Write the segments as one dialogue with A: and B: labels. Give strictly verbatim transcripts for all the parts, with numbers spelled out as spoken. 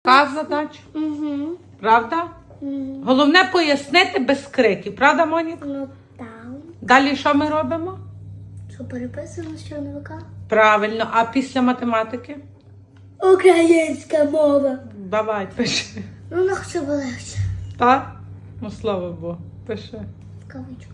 A: Та задача?
B: Угу.
A: Правда?
B: Угу.
A: Головне пояснити без криків. Правда, Моніка?
B: Ну там.
A: Далі що ми робимо?
B: Що переписуємо з чорновика?
A: Правильно. А після математики?
B: Українська мова.
A: Давай, пиши.
B: Ну, не хочу легше.
A: Так? Ну, слава Богу. Пиши.
B: В кавичках.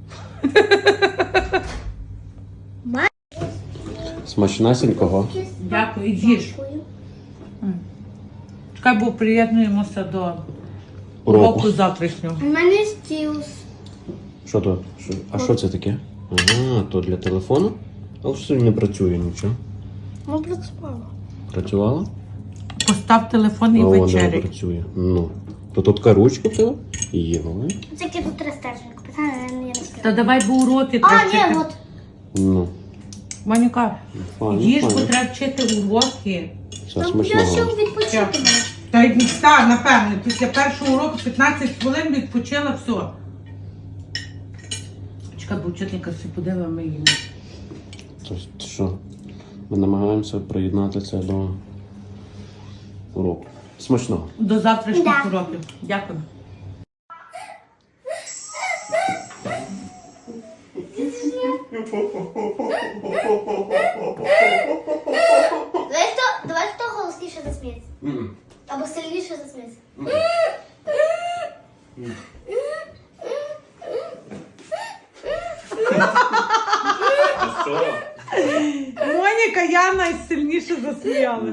C: Смачнасенького.
A: Дякую, їж.
B: Дякую.
A: Чекай, бо приєднуємося до
C: Уроку.
A: уроку завтрашнього.
B: У мене стілус.
C: Що то? Що? А що це таке? Ага, то для телефону? Але ж сьогодні не працює нічого.
B: Ну, працювала.
C: Працювала?
A: Постав телефон і
C: А вона не
A: вечеряй.
C: працює. Ну. То тут така ручка в тебе? Є, ну.
B: Тільки тут три стерженька. Питання я не
A: Та
B: розкрила.
A: давай, бо уроки
B: А,
A: треба
B: ні,
A: вчити.
B: от.
C: Ну.
A: Моніка,
C: Файно,
A: їж, бо
C: файно.
A: треба вчити уроки.
C: Все
B: Там я
C: смачного.
B: ще відпочити маю.
A: Та й так, напевне, після першого уроку п'ятнадцять хвилин відпочила, все. Чекай, бо вчителька всі подивила, ми їмо.
C: Тобто, що? Ми намагаємося приєднати це до уроку. Смачного.
A: До завтрашніх
B: Да.
A: уроків. Дякую.
B: Давай хто, давай хто голосніше засміється. Або сильніше засміється.
C: А що?
A: Моніка, я найсильніше засміялась.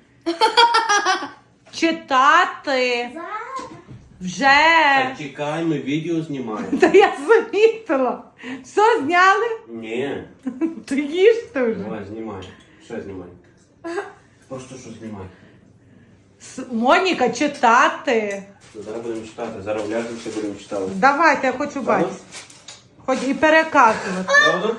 A: Читати. Вже.
C: Чекай, ми відео знімаємо.
A: Та я замітила. Все зняли?
C: Ні.
A: То їжте вже.
C: Давай, знімай. Ще знімай. Просто що знімай.
A: С- Моніка, читати.
C: Зараз будемо читати. Зараз вляжемося, будемо читати.
A: Давайте, я хочу бачити. Хоч і переказувати.
C: Правда?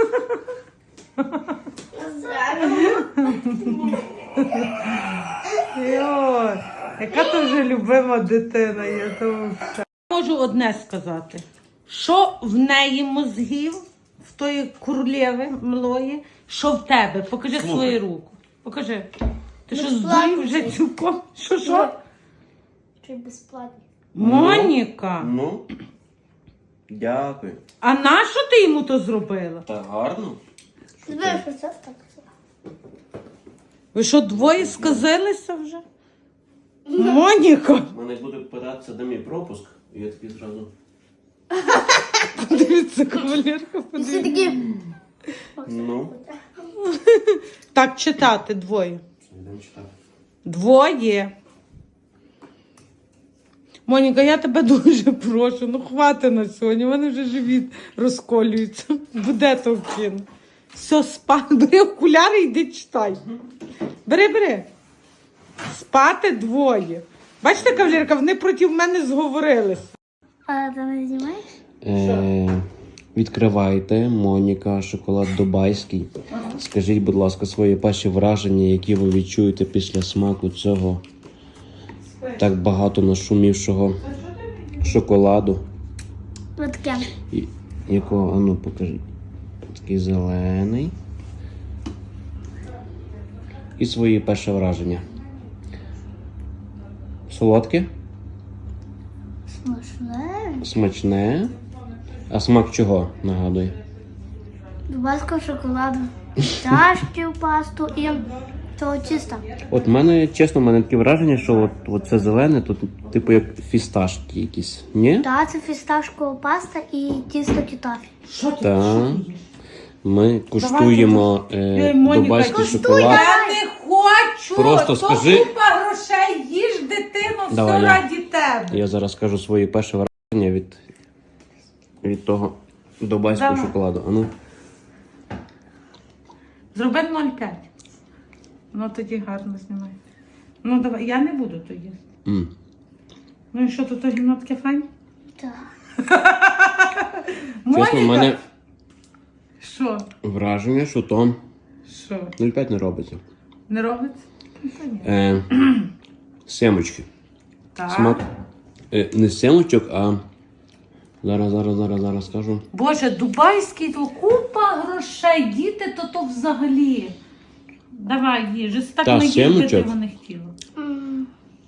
A: Йой, яка то вже любима дитина є. То все. Можу одне сказати. Що в неї мозгів, в тої королеви млої, що в тебе? Покажи
C: Слухай.
A: свою руку. Покажи. Ти що,
B: Безплатно.
A: здурів вже цілком? Що, що?
B: Чи безплатно?
A: Моніка,
C: Ну. Дякую.
A: а нащо ти йому то зробила?
C: Та гарно.
B: Знаєш, що це так?
A: Ви що, двоє сказилися вже? Моніка!
C: Мене буде питатися, де мій пропуск, і я такий зразу.
A: Дивіться, кавалерка,
B: Всі
A: подивіться.
B: такі...
C: Ну.
A: Так, читати двоє.
C: Йдемо читати.
A: Двоє. Моніка, я тебе дуже прошу, ну хвати на сьогодні, у мене вже живіт розколюється. Буде то кіно. Все, спати. Бери окуляри і йди читай. Бери, бери. Спати двоє. Бачите, кавалерка, вони проти мене зговорилися.
B: А ти не знімаєш?
C: Е, відкривайте, Моніка, шоколад дубайський. Скажіть, будь ласка, свої перші враження, які ви відчуєте після смаку цього так багато нашумівшого шоколаду.
B: Ось таке.
C: І, якого, а ну покажіть. Такий зелений. І свої перші враження. Солодке?
B: Смачне.
C: Смачне. А смак чого, нагадує?
B: Дубайського шоколаду. Чашки в пасту і цього тіста.
C: От в мене, чесно, в мене таке враження, що от, от це зелене, тут типу як фісташки якісь. Ні?
B: Так, це фісташкова паста і тісто кітафі.
A: Що ти
C: Так. Ми куштуємо е,
A: Ей, Моніка,
C: дубайський
A: куштуй,
C: шоколад.
A: Я не хочу!
C: Просто
A: то
C: скажи-
A: купа грошей, їж, дитино, все
C: Давай, я.
A: раді тебе.
C: Я зараз скажу свої перші враження від, від того дубайського
A: Давай.
C: шоколаду. А ну.
A: Зроби нуль п'ять. Ну тоді гарно знімай. Ну давай, я не буду то їсти.
C: М.
A: Ну і що, тут то гімно таке файне?
B: Так.
C: Чесно, в мене
A: Що?
C: враження, що то
A: Що?
C: нуль п'ять не робиться.
A: Не робиться? Ну, то ні.
C: Е, семочки.
A: Так.
C: Смак е, не семочок, а зараз, зараз, зараз, зараз скажу.
A: Боже, дубайський, то купа грошей, діти, то то взагалі. Давай, їж, так
C: Та,
A: не їсти, ти
C: сімочок.
A: його не хотіла.
B: М,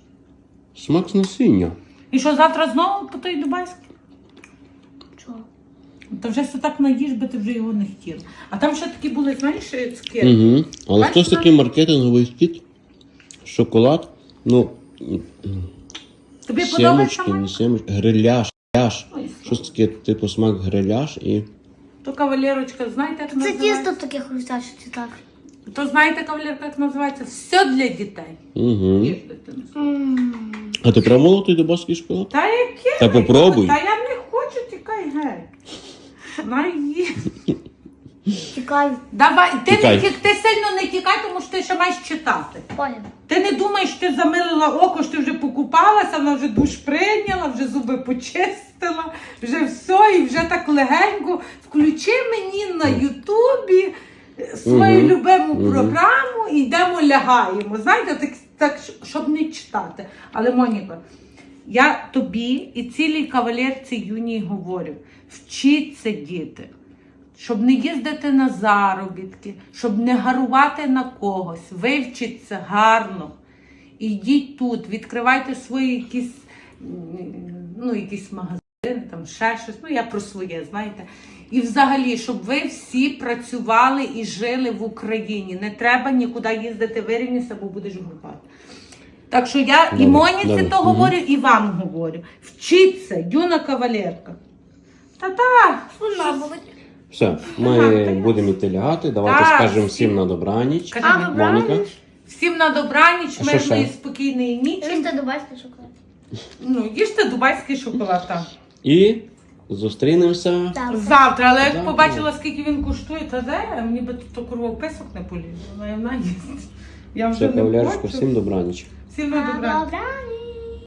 C: Смак з насіння.
A: І що, завтра знову по той дубайський?
B: Чого?
A: Та вже все так наїж, би ти вже його не хотіла. А там ще такі були, знаєш, цукерки.
C: Угу. Але
A: Бачиш,
C: хтось такий маркетинговий хід, шоколад, ну,
A: Тобі подобається,
C: сімочки,
A: Мань?
C: не сімочки, гриляш, гриляш.
A: Ой,
C: Щось таке, типу смак гриляш і...
A: То кавалерочка, знаєте, як
B: Це
A: називається?
B: тісто таке хрустяще, чи так?
A: То знаєте, кавалерка, як називається? Все для дітей.
C: Угу.
A: Їж, дитину.
B: Ммм.
C: А ти пробувала той дубайський шоколад?
A: Та яке?
C: Та попробуй.
A: Та я не хочу, тікай геть. Наїж.
B: Тікай.
A: Давай, ти,
C: Тікай.
A: не, ті- ти сильно не тікай, тому що ти ще маєш читати.
B: Понял.
A: Ти не думаєш, що ти замилила око, що ти вже покупалася, вона вже душ прийняла, вже зуби почистила, вже все, і вже так легенько. Включи мені на Ютубі свою
C: Мгм.
A: любиму
C: Мгм.
A: програму і йдемо лягаємо. Знаєте, так, так, щоб не читати. Але, Моніка, я тобі і цілій кавалерці юній говорю, вчіться, діти. Щоб не їздити на заробітки, щоб не гарувати на когось, вивчіться гарно. Ідіть тут, відкривайте свої якісь, м, ну, якісь магазини, там ще щось. Ну, я про своє, знаєте. І взагалі, щоб ви всі працювали і жили в Україні. Не треба нікуди їздити, вирівнюйся, бо будеш горбати. Так що я і
C: Добре,
A: Моніці
C: добре.
A: то
C: Мгм.
A: говорю, і вам говорю. Вчіться, юна кавалерка. Та-та!
B: Спина болить.
C: Все, ми будемо йти лягати. Давайте
A: Так,
C: скажемо
A: всім.
C: всім на добраніч.
A: Кажи
B: А,
A: мені.
B: добраніч.
C: Моніка.
A: Всім на добраніч,
C: А що
A: мирної,
C: ще?
A: спокійної нічі.
B: Їсти дубайський шоколад.
A: Ну, їжте дубайський шоколад. Так.
C: І зустрінемося.
B: Так.
A: Завтра, але як
C: Завтра.
A: побачила, скільки він коштує, та де, мені би тут курва в писок не полізла. Вона їсть. Я вже
C: Все,
A: не
C: кавалерочка,
A: хочу.
C: всім добраніч.
A: Всім на добраніч.
B: Добраніч.